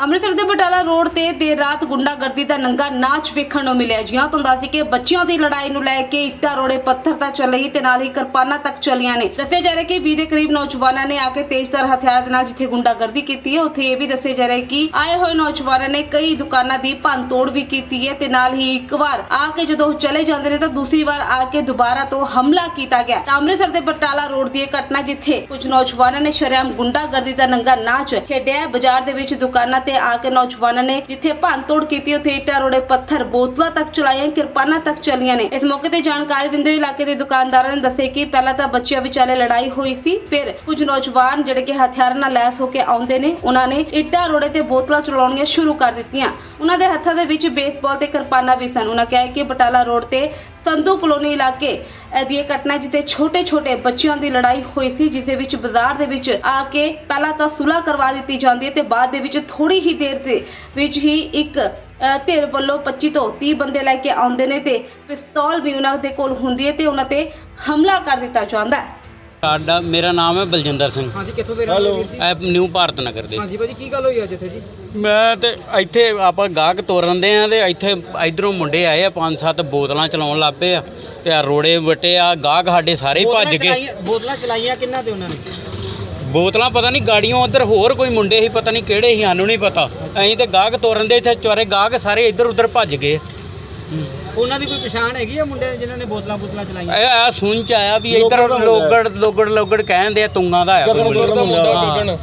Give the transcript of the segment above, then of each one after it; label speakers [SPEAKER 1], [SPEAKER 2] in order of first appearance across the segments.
[SPEAKER 1] ਅੰਮ੍ਰਿਤਸਰ ਦੇ ਬਟਾਲਾ ਰੋਡ ਤੇ ਦੇਰ ਰਾਤ ਗੁੰਡਾਗਰਦੀ ਦਾ ਨੰਗਾ ਨਾਚ ਵੇਖਣ ਨੂੰ ਮਿਲਿਆ। ਜਿਹਾਂ ਤੋਂ ਦੱਸੀ ਕਿ ਬੱਚਿਆਂ ਦੀ ਲੜਾਈ ਨੂੰ ਲੈ ਕੇ ਇੱਟਾਂ ਰੋੜੇ ਪੱਥਰ ਤਾਂ ਚੱਲੇ ਤੇ ਨਾਲ ਹੀ ਕਿਰਪਾਨਾਂ ਤੱਕ ਚੱਲੀਆਂ ਨੇ। ਦੱਸਿਆ ਜਾ ਰਿਹਾ ਕਿ 20 ਦੇ ਕਰੀਬ ਨੌਜਵਾਨਾਂ ਨੇ ਆ ਕੇ ਤੇਜ਼ਧਾਰ ਹਥਿਆਰਾਂ ਦੇ ਨਾਲ ਜਿੱਥੇ ਗੁੰਡਾਗਰਦੀ ਕੀਤੀ ਹੈ ਉੱਥੇ ਇਹ ਵੀ ਦੱਸਿਆ ਜਾ ਰਿਹਾ ਕਿ ਆਏ ਹੋਏ ਨੌਜਵਾਨਾਂ ਨੇ ਕਈ ਦੁਕਾਨਾਂ ਦੀ ਭੰਨ ਤੋੜ ਵੀ ਕੀਤੀ ਹੈ ਤੇ ਨਾਲ ਹੀ ਇੱਕ ਵਾਰ ਆ ਕੇ ਜਦੋਂ ਚਲੇ ਜਾਂਦੇ ਨੇ ਤਾਂ ਦੂਸਰੀ ਵਾਰ ਆ ਕੇ ਦੁਬਾਰਾ ਤੋਂ ਹਮਲਾ ਕੀਤਾ ਗਿਆ। ਅੰਮ੍ਰਿਤਸਰ ਦੇ ਬਟਾਲਾ ਰੋਡ ਦੀ ਇਹ ਘਟਨਾ ਜਿੱਥੇ ਕੁਝ ਨੌਜਵਾਨਾਂ ਨੇ ਸ਼ਰੇਆਮ ਗੁੰਡਾਗਰਦੀ ਦਾ ਨੰਗਾ ਨਾਚ ਖੇਡਿਆ। ਬਾਜ਼ਾਰ ਦੇ ਵਿੱਚ ਦੁਕਾਨਾਂ ਤੇ ਆ ਕੇ ਨੌਜਵਾਨਾਂ ਨੇ ਜਿੱਥੇ ਭੰਨ ਤੋੜ ਕੀਤੀ ਉੱਥੇ ਇੱਟਾਂ ਰੋੜੇ ਪੱਥਰ ਬੋਤਲਾਂ ਤੱਕ ਚਲਾਈਆਂ, ਕਿਰਪਾਨਾਂ ਤੱਕ ਚੱਲੀਆਂ ਨੇ। ਇਸ ਮੌਕੇ ਤੇ ਜਾਣਕਾਰੀ ਦਿੰਦੇ ਹੋਏ ਇਲਾਕੇ ਦੇ ਦੁਕਾਨਦਾਰਾਂ ਨੇ ਦੱਸਿਆ ਕਿ ਪਹਿਲਾਂ ਤਾਂ ਬੱਚਿਆਂ ਵਿਚਾਲੇ ਲੜਾਈ ਹੋਈ ਸੀ, ਫਿਰ ਕੁਝ ਨੌਜਵਾਨ ਜਿਹੜੇ ਕਿ ਹਥਿਆਰਾਂ ਨਾਲ ਲੈਸ ਹੋ ਕੇ ਆਉਂਦੇ ਨੇ ਉਹਨਾਂ ਨੇ ਇੱਟਾਂ ਰੋੜੇ ਤੇ ਬੋਤਲਾਂ ਚਲਾਉਣੀਆਂ ਸ਼ੁਰੂ ਕਰ ਦਿੱਤੀਆਂ। ਉਹਨਾਂ ਦੇ ਹੱਥਾਂ ਦੇ ਵਿੱਚ ਬੇਸਬਾਲ ਤੇ ਕਿਰਪਾਨਾਂ ਵੀ ਸਨ। ਉਹਨਾਂ ਕਿਹਾ ਕਿ ਬਟਾਲਾ ਰੋਡ ਤੇ ਸੰਧੂ ਕਲੋਨੀ ਇਲਾਕੇ ਦੀ ਘਟਨਾ ਜਿੱਥੇ ਛੋਟੇ ਬੱਚਿਆਂ ਦੀ ਲੜਾਈ ਹੋਈ ਸੀ, ਜਿਸ ਦੇ ਵਿੱਚ ਬਾਜ਼ਾਰ ਦੇ ਵਿੱਚ ਆ ਕੇ ਪਹਿਲਾਂ ਤਾਂ ਸੁਲ੍ਹਾ ਕਰਵਾ ਦਿੱਤੀ ਜਾਂਦੀ ਹੈ ਤੇ ਬਾਅਦ ਦੇ ਵਿੱਚ ਥੋੜੀ ਹੀ ਦੇਰ ਦੇ ਵਿੱਚ ਹੀ ਇੱਕ ਧਿਰ ਵੱਲੋਂ 25 ਤੋਂ 30 ਬੰਦੇ ਲੈ ਕੇ ਆਉਂਦੇ ਨੇ ਤੇ ਪਿਸਤੌਲ ਵੀ ਉਹਨਾਂ ਦੇ ਕੋਲ ਹੁੰਦੀ ਹੈ ਤੇ ਉਹਨਾਂ ਤੇ ਹਮਲਾ ਕਰ ਦਿੱਤਾ ਜਾਂਦਾ ਹੈ।
[SPEAKER 2] ਸਾਡਾ ਮੇਰਾ ਨਾਮ ਹੈ ਬਲਜਿੰਦਰ ਸਿੰਘ।
[SPEAKER 3] ਹਾਂਜੀ, ਕਿੱਥੋਂ ਦੇ ਰਹਿਣ ਵਾਲੇ ਵੀਰ ਜੀ?
[SPEAKER 2] ਇਹ ਨਿਊ ਭਾਰਤ ਨਗਰ ਦੇ।
[SPEAKER 3] ਹਾਂਜੀ ਭਾਜੀ, ਕੀ ਗੱਲ ਹੋਈ ਅੱਜ ਇੱਥੇ ਜੀ?
[SPEAKER 2] ਮੈਂ ਤੇ ਇੱਥੇ ਆਪਾਂ ਗਾਹਕ ਤੋਰਨ ਦੇ ਆ ਤੇ ਇੱਥੇ ਇਧਰੋਂ ਮੁੰਡੇ ਆਏ ਆ 5-7 ਬੋਤਲਾਂ ਚਲਾਉਣ ਲੱਗ ਪਏ ਆ ਤੇ ਆ ਰੋੜੇ ਵਟੇ ਆ ਗਾਹਕ ਸਾਡੇ ਸਾਰੇ ਹੀ ਭੱਜ ਗਏ।
[SPEAKER 3] ਬੋਤਲਾਂ ਚਲਾਈਆਂ ਕਿੰਨਾ ਤੇ ਉਹਨਾਂ ਨੇ?
[SPEAKER 2] ਬੋਤਲਾਂ ਪਤਾ ਨਹੀਂ ਗਾੜੀਆਂ ਉਧਰ ਹੋਰ ਕੋਈ ਮੁੰਡੇ ਸੀ, ਪਤਾ ਨਹੀਂ ਕਿਹੜੇ ਸੀ, ਸਾਨੂੰ ਨਹੀਂ ਪਤਾ। ਅਸੀਂ ਤੇ ਗਾਹਕ ਤੋਰਨ ਦੇ ਇੱਥੇ ਚੋਰੇ ਗਾਹਕ ਸਾਰੇ ਇੱਧਰ ਉੱਧਰ ਭੱਜ ਗਏ।
[SPEAKER 3] ਉਹਨਾਂ ਦੀ ਕੋਈ ਪਛਾਣ ਹੈਗੀ ਆ ਮੁੰਡੇ ਜਿਨ੍ਹਾਂ ਨੇ ਬੋਤਲਾਂ ਚਲਾਈਆਂ?
[SPEAKER 2] ਇਹ ਸੁਣ ਚ ਆਇਆ ਵੀ ਇੱਧਰ ਲੋਗੜ ਕਹਿੰਦੇ ਆ ਤੁੰਗਾਂ ਦਾ ਆ ਕੋਈ ਮੁੰਡਾ।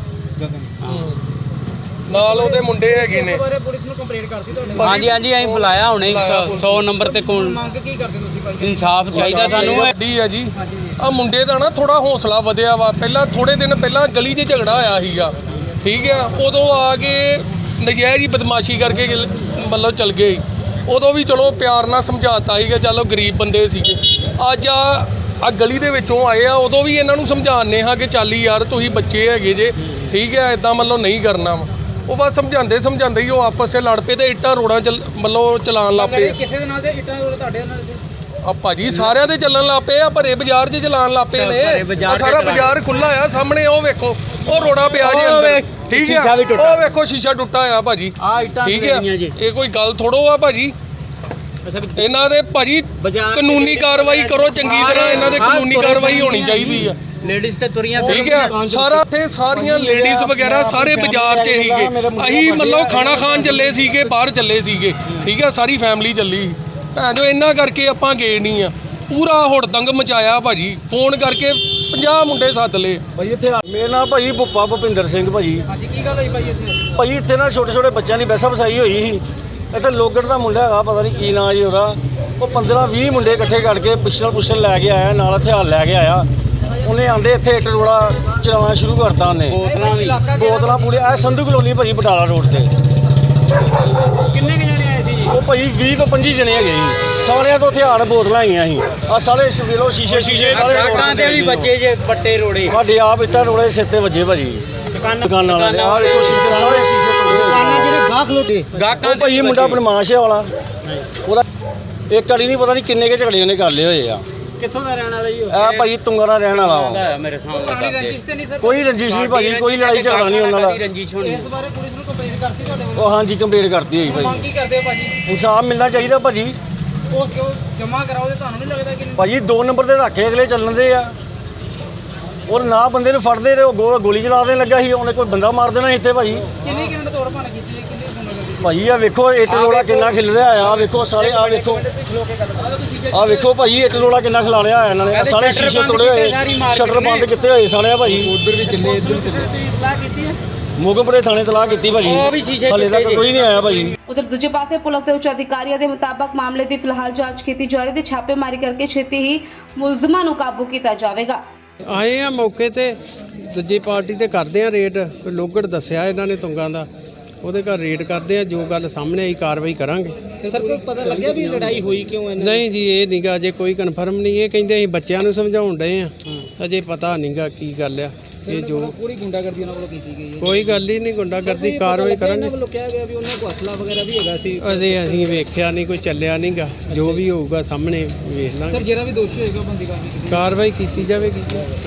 [SPEAKER 4] ਨਾਲ ਉਹਦੇ ਮੁੰਡੇ ਹੈਗੇ ਨੇ।
[SPEAKER 3] ਇਸ ਬਾਰੇ ਪੁਲਿਸ ਨੂੰ ਕੰਪਲੇਂਟ ਕਰਤੀ ਤੁਹਾਡੇ?
[SPEAKER 2] ਹਾਂਜੀ ਅਸੀਂ ਬੁਲਾਇਆ ਹੁਣੇ 100 ਨੰਬਰ ਤੇ ਕੋਲ।
[SPEAKER 3] ਮੰਗ ਕੀ ਕਰਦੇ ਤੁਸੀਂ ਭਾਈ?
[SPEAKER 2] ਇਨਸਾਫ ਚਾਹੀਦਾ ਸਾਨੂੰ।
[SPEAKER 4] ਗੱਡੀ ਆ ਜੀ, ਆ ਮੁੰਡੇ ਦਾ ਨਾ ਥੋੜਾ ਹੌਸਲਾ ਵਧਿਆ ਵਾ। ਪਹਿਲਾਂ ਥੋੜੇ ਦਿਨ ਪਹਿਲਾਂ ਗਲੀ 'ਚ ਝਗੜਾ ਹੋਇਆ ਸੀਗਾ, ਠੀਕ ਆ। ਉਦੋਂ ਆ ਕੇ ਨਜਾਇਜ਼ ਹੀ ਬਦਮਾਸ਼ੀ ਕਰਕੇ ਮਤਲਬ ਚਲ ਗਏ। ਉਦੋਂ ਵੀ ਚਲੋ ਪਿਆਰ ਨਾਲ ਸਮਝਾਤਾ ਸੀਗਾ, ਚਲੋ ਗਰੀਬ ਬੰਦੇ ਸੀਗੇ। ਅੱਜ ਆ ਗਲੀ ਦੇ ਵਿੱਚੋਂ ਆਏ ਆ, ਉਦੋਂ ਵੀ ਇਹਨਾਂ ਨੂੰ ਸਮਝਾਉਂਦੇ ਹਾਂ ਕਿ ਚੱਲ ਯਾਰ ਤੁਸੀਂ ਬੱਚੇ ਹੈਗੇ ਜੇ, ਠੀਕ ਹੈ, ਇਦਾਂ ਮਤਲਬ ਨਹੀਂ ਕਰਨਾ ਵਾ। ਉਹ ਬਸ ਸਮਝਾਉਂਦੇ ਹੀ ਉਹ ਆਪਸ 'ਚ ਲੜ ਪਏ ਤੇ ਇੱਟਾਂ ਰੋੜਾਂ ਮਤਲਬ ਚਲਾਉਣ ਲੱਗ ਪਏ।
[SPEAKER 3] ਕਿਸੇ ਦੇ ਨਾਲ ਤੇ ਇੱਟਾਂ ਰੋੜੇ ਤੁਹਾਡੇ ਨਾਲ?
[SPEAKER 4] ਆ ਭਾਜੀ ਸਾਰਿਆਂ ਦੇ ਚੱਲਣ ਲੱਗ ਪਏ ਆ, ਭਰੇ ਬਾਜ਼ਾਰ 'ਚ ਚਲਾਉਣ ਲੱਗ ਪਏ ਨੇ। ਸਾਰਾ ਬਾਜ਼ਾਰ ਖੁੱਲਾ ਆ, ਸਾਹਮਣੇ ਉਹ ਵੇਖੋ ਉਹ ਰੋੜਾ ਪਿਆ ਜੀ ਅੰਦਰ, ਠੀਕ ਹੈ। ਉਹ ਵੇਖੋ ਸ਼ੀਸ਼ਾ ਟੁੱਟਾ ਆ ਭਾਜੀ, ਠੀਕ ਹੈ। ਇਹ ਕੋਈ ਗੱਲ ਥੋੜੋ ਆ ਭਾਜੀ। ਇਹਨਾਂ ਦੇ ਭਾਜੀ ਕਾਨੂੰਨੀ ਕਾਰਵਾਈ ਕਰੋ ਚੰਗੀ ਤਰ੍ਹਾਂ, ਇਹਨਾਂ ਦੇ ਕਾਨੂੰਨੀ ਕਾਰਵਾਈ ਹੋਣੀ ਚਾਹੀਦੀ ਆ।
[SPEAKER 2] ਲੇਡੀਜ਼ ਤੇ ਤੁਰੀਆਂ
[SPEAKER 4] ਠੀਕ ਹੈ, ਸਾਰਾ ਇੱਥੇ ਸਾਰੀਆਂ ਲੇਡੀਜ਼ ਵਗੈਰਾ ਸਾਰੇ ਬਾਜ਼ਾਰ 'ਚ ਸੀਗੇ। ਅਸੀਂ ਮਤਲਬ ਖਾਣਾ ਖਾਣ ਚੱਲੇ ਸੀਗੇ, ਬਾਹਰ ਚੱਲੇ ਸੀਗੇ, ਠੀਕ ਹੈ, ਸਾਰੀ ਫੈਮਿਲੀ ਚੱਲੀ। ਭੈਣ ਜੋ ਇਹਨਾਂ ਕਰਕੇ ਆਪਾਂ ਗਏ ਨਹੀਂ ਆ। ਪੂਰਾ ਹੁੜਦੰਗ ਮਚਾਇਆ ਭਾਜੀ, ਫੋਨ ਕਰਕੇ 50 ਮੁੰਡੇ ਸੱਦ ਲਏ
[SPEAKER 5] ਭਾਈ ਇੱਥੇ। ਮੇਰਾ ਨਾਮ ਭਾਜੀ ਭੁੱਪਾ ਭੁਪਿੰਦਰ ਸਿੰਘ ਭਾਜੀ।
[SPEAKER 3] ਹਾਂਜੀ, ਕੀ ਗੱਲ ਹੋਈ ਭਾਈ ਇੱਥੇ?
[SPEAKER 5] ਭਾਜੀ ਇੱਥੇ ਨਾ ਛੋਟੇ ਬੱਚਿਆਂ ਦੀ ਵੈਸਾ ਵਸਾਈ ਹੋਈ ਸੀ। ਇੱਥੇ ਲੋਗੜ ਦਾ ਮੁੰਡਾ ਹੈਗਾ, ਪਤਾ ਨਹੀਂ ਕੀ ਨਾਂ ਜੀ ਉਹਦਾ। ਉਹ 15-20 ਮੁੰਡੇ ਇਕੱਠੇ ਕਰਕੇ ਪਿਸਟਲ ਲੈ ਕੇ ਆਇਆ, ਨਾਲ ਹਥਿਆਰ ਲੈ ਕੇ ਆਇਆ। ਉਹਨੇ ਆਂਦੇ ਇੱਥੇ ਇੱਟ ਰੋੜਾ ਚਲਾਉਣਾ ਸ਼ੁਰੂ ਕਰਤਾ ਉਹਨੇ। ਬੋਤਲਾਂ ਪੂਰੇ ਇਹ ਸੰਧੂ ਕਲੋਨੀ ਭਾਜੀ ਬਟਾਲਾ ਰੋਡ ਤੇ।
[SPEAKER 3] ਕਿੰਨੇ ਕੁ ਜਣੇ ਆਏ ਸੀ ਜੀ?
[SPEAKER 5] ਉਹ ਭਾਜੀ 20 ਤੋਂ 25 ਜਣੇ ਹੈਗੇ ਜੀ। ਸਾਲਿਆਂ ਤੋਂ ਹਥਿਆਰ ਬੋਤਲਾਂ ਆਈਆਂ ਸੀ। ਆ ਸਾਲੇ ਵੇਲੋ ਸ਼ੀਸ਼ੇ ਸਾਰੇ
[SPEAKER 2] ਦੁਕਾਨਾਂ ਤੇ ਵੀ ਬੱਚੇ ਜੇ ਪੱਟੇ ਰੋੜੇ।
[SPEAKER 5] ਸਾਡੇ ਆਪ ਇੱਟਾਂ ਰੋੜੇ ਸਿਰ ਤੇ ਵੱਜੇ ਭਾਜੀ ਦੁਕਾਨਾਂ ਵਾਲਿਆਂ ਦੇ। ਆਹ ਵੇਖੋ ਸ਼ੀਸ਼ੇ ਸਾਰੇ ਸ਼ੀਸ਼ੇ ਤੋੜੇ।
[SPEAKER 3] ਜਿਹੜੇ ਗਾਹਕ ਲੋਤੇ
[SPEAKER 5] ਉਹ ਭਾਈ ਮੁੰਡਾ ਬਦਮਾਸ਼ ਹੈ ਵਾਲਾ। ਉਹਦਾ ਇੱਕ ਵਾਲੀ ਨਹੀਂ ਪਤਾ ਨਹੀਂ ਕਿੰਨੇ ਕੇ ਝਗੜੇ ਉਹਨੇ ਕਰ ਲਏ ਹੋਏ ਆ।
[SPEAKER 3] ਕਿੱਥੋਂ ਦਾ ਰਹਿਣ ਵਾਲਾ ਜੀ?
[SPEAKER 5] ਇਹ ਭਾਈ ਤੁੰਗਾ ਦਾ ਰਹਿਣ ਵਾਲਾ ਵਾ।
[SPEAKER 2] ਮੇਰੇ ਸਾਹਮਣੇ
[SPEAKER 3] ਪੁਰਾਣੀ ਰੰਜਿਸ਼ ਤੇ ਨਹੀਂ ਸਰ?
[SPEAKER 5] ਕੋਈ ਰੰਜਿਸ਼ ਨਹੀਂ ਭਾਜੀ, ਕੋਈ ਲੜਾਈ ਝਗੜਾ ਨਹੀਂ ਉਹਨਾਂ ਦਾ।
[SPEAKER 3] ਇਸ ਬਾਰੇ ਪੁਲਿਸ ਨੂੰ ਕੰਪਲੇਂਟ ਕਰਤੀ ਤੁਹਾਡੇ ਵੱਲੋਂ?
[SPEAKER 5] ਉਹ ਹਾਂਜੀ ਕੰਪਲੇਂਟ ਕਰਤੀ ਹੋਈ
[SPEAKER 3] ਮੰਗ
[SPEAKER 5] ਭਾਜੀ।
[SPEAKER 3] ਕੀ ਕਰਦੇ ਹੋ ਭਾਜੀ?
[SPEAKER 5] ਇਨਸਾਫ ਮਿਲਣਾ ਚਾਹੀਦਾ ਭਾਜੀ।
[SPEAKER 3] ਉਸ ਕਿਉਂ ਜਮ੍ਹਾਂ ਕਰਾਓ ਤੇ ਤੁਹਾਨੂੰ ਨਹੀਂ ਲੱਗਦਾ ਕਿ
[SPEAKER 5] ਭਾਜੀ 2 ਨੰਬਰ ਤੇ ਰੱਖੇ ਅਗਲੇ ਚੱਲਣ ਦੇ ਆ। ਉਹ ਨਾ ਬੰਦੇ ਨੂੰ ਫੜਦੇ ਰਹੇ, ਉਹ ਗੋਲੀ ਚਲਾ ਦੇਣ ਲੱਗਾ ਸੀ। ਉਹਨੇ ਕੋਈ ਬੰਦਾ ਮਾਰ ਦੇਣਾ ਇੱਥੇ ਭਾਜੀ।
[SPEAKER 3] ਕਿੰਨੇ ਕਿੰਨੇ ਤੋੜ ਭੰਨ ਕੀਤੀ ਸੀ? ਕਿੰਨੇ ਗੁੰਡਾਗਰਦੀ?
[SPEAKER 5] ਭਾਜੀ ਆ ਵੇਖੋ ਇੱਟ ਰੋੜਾ ਕਿੰਨਾ ਖਿਲ ਰਿਹਾ ਆ। ਵੇਖੋ ਸਾਰੇ ਆ ਵੇਖੋ, ਆ ਵੇਖੋ ਭਾਜੀ ਇੱਟ ਰੋੜਾ ਕਿੰਨਾ ਖਿਲਾ ਰਿਹਾ ਇਹਨਾਂ ਨੇ। ਸਾਰੇ ਸ਼ੀਸ਼ੇ ਤੋੜੇ ਹੋਏ, ਸ਼ਟਰ ਬੰਦ ਕੀਤੇ ਹੋਏ ਸਾਲੇ ਆ ਭਾਜੀ।
[SPEAKER 3] ਉਧਰ ਵੀ ਚੱਲੇ, ਇੱਧਰ ਵੀ ਚੱਲੇ। ਇਤਲਾਹ ਕੀਤੀ ਹੈ?
[SPEAKER 5] ਮੋਗਮਪੁਰੇ ਥਾਣੇ ਤਲਾਹ ਕੀਤੀ ਭਾਜੀ, ਹਾਲੇ ਤੱਕ ਕੋਈ ਨਹੀਂ ਆਇਆ ਭਾਜੀ।
[SPEAKER 1] ਉਧਰ ਦੂਜੇ ਪਾਸੇ ਪੁਲਿਸ ਦੇ ਉੱਚ ਅਧਿਕਾਰੀਆਂ ਦੇ ਮੁਤਾਬਕ ਮਾਮਲੇ ਦੀ ਫਿਲਹਾਲ ਜਾਂਚ ਕੀਤੀ ਜਾ ਰਹੀ ਤੇ ਛਾਪੇਮਾਰੀ ਕਰਕੇ ਛੇਤੀ ਹੀ ਮੁਲਜ਼ਮਾਂ ਨੂੰ ਕਾਬੂ ਕੀਤਾ ਜਾਵੇਗਾ।
[SPEAKER 6] ਆਏ ਆ ਮੌਕੇ ਤੇ, ਦੂਜੀ ਪਾਰਟੀ ਤੇ ਕਰਦੇ ਆ ਰੇਡ। ਕੋਈ ਲੋਗੜ ਦੱਸਿਆ ਇਹਨਾਂ ਨੇ ਤੁੰਗਾਂ ਦਾ, ਉਹਦੇ ਘਰ ਰੇਡ ਕਰਦੇ ਆ। ਜੋ ਗੱਲ ਸਾਹਮਣੇ ਆਈ ਕਾਰਵਾਈ ਕਰਾਂਗੇ।
[SPEAKER 3] ਸਰ ਕੋਈ ਪਤਾ ਲੱਗਿਆ ਵੀ ਲੜਾਈ ਹੋਈ ਕਿਉਂ ਹੈ?
[SPEAKER 6] ਨਹੀਂ ਜੀ, ਇਹ ਨਹੀਂਗਾ ਅਜੇ ਕੋਈ ਕਨਫਰਮ ਨਹੀਂ। ਇਹ ਕਹਿੰਦੇ ਅਸੀਂ ਬੱਚਿਆਂ ਨੂੰ ਸਮਝਾਉਣ ਡਏ ਆ, ਅਜੇ ਪਤਾ ਨਹੀਂਗਾ ਕੀ ਗੱਲ ਆ। ਇਹ ਜੋ
[SPEAKER 3] ਪੂਰੀ ਗੁੰਡਾਗਰਦੀ ਉਹਨਾਂ ਵੱਲੋਂ ਕੀਤੀ ਗਈ ਹੈ?
[SPEAKER 6] ਕੋਈ ਗੱਲ ਹੀ ਨਹੀਂ, ਗੁੰਡਾਗਰਦੀ ਕਾਰਵਾਈ ਕਰਾਂਗੇ।
[SPEAKER 3] ਉਹਨਾਂ ਵੱਲੋਂ ਕਿਹਾ ਗਿਆ ਵੀ ਉਹਨਾਂ ਕੋਲ ਅਸਲਾ ਵਗੈਰਾ ਵੀ ਹੈਗਾ ਸੀ।
[SPEAKER 6] ਅਸੀਂ ਵੇਖਿਆ ਨਹੀਂ, ਕੋਈ ਚੱਲਿਆ ਨਹੀਂਗਾ। ਜੋ ਵੀ ਹੋਊਗਾ ਸਾਹਮਣੇ ਵੇਖ ਲਾਂਗੇ।
[SPEAKER 3] ਸਰ ਜਿਹੜਾ ਵੀ ਦੋਸ਼ੀ ਹੋਏਗਾ ਬੰਦੀ ਕਾਰਵਾਈ
[SPEAKER 6] ਕੀਤੀ ਜਾਵੇਗੀ।